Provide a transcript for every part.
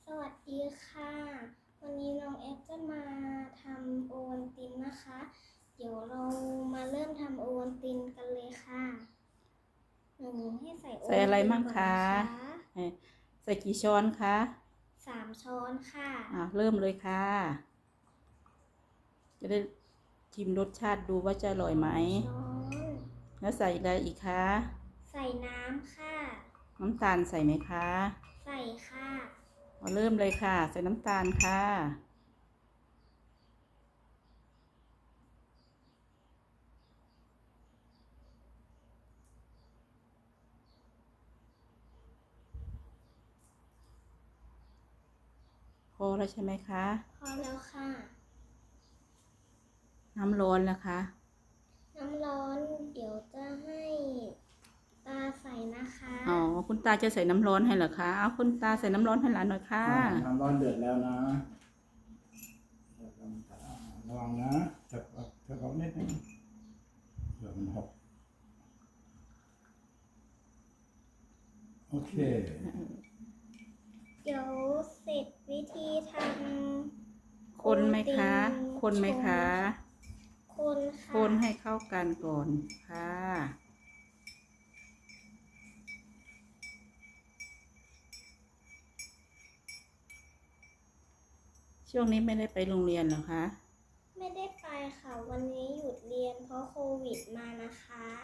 สวัสดีค่ะวันนี้น้องแอฟจะมาทำโอวัลตินนะคะ เดี๋ยวเรามาเริ่มทำโอวัลตินกันเลยค่ะให้ใส่โอวัลตินใส่อะไรมั่งคะก่อนนใส่กี่ช้อนคะ 3 ช้อนค่ะเริ่มเลยค่ะ จะได้ชิมรสชาติดูว่าจะอร่อยไหมช้อนแล้วใส่อะไรอีกคะใส่น้ำค่ะน้ำตาลใส่ไหมคะใส่ค่ะเริ่มเลยค่ะ ใส่น้ำตาลค่ะพอแล้วใช่ไหมคะพอแล้วค่ะน้ำร้อนนะคะน้ำร้อนเดี๋ยวจะให้ตาใส่นะคะคุณตาจะใส่น้ำร้อนให้เหรอคะเอาคุณตาใส่น้ำร้อนให้หลานหน่อยค่ะน้ำร้อนเดือดแล้วนะระวังนะจะเอานิดนึงเดี๋ยวมันหกโอเคเดี๋ยวเสร็จวิธีทำคนไหมคะ คนไหมคะคนค่ะคนให้เข้ากันก่อนค่ะ ช่วงนี้ไม่ได้ไปโรงเรียนเหรอคะไม่ได้ไปค่ะวันนี้หยุดเรียนเพราะโควิดมานะคะ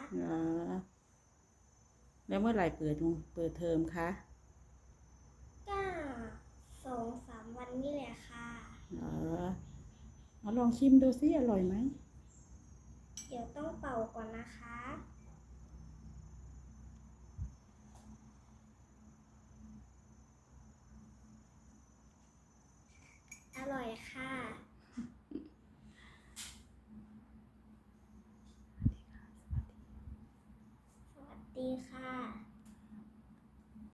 แล้วเมื่อไหร่เปิดเทอมคะก็2-3 วันนี่แหละค่ะลองชิมดูสิอร่อยไหมเดี๋ยวต้องเป่าก่อนนะคะ อร่อยค่ะ สวัสดีค่ะ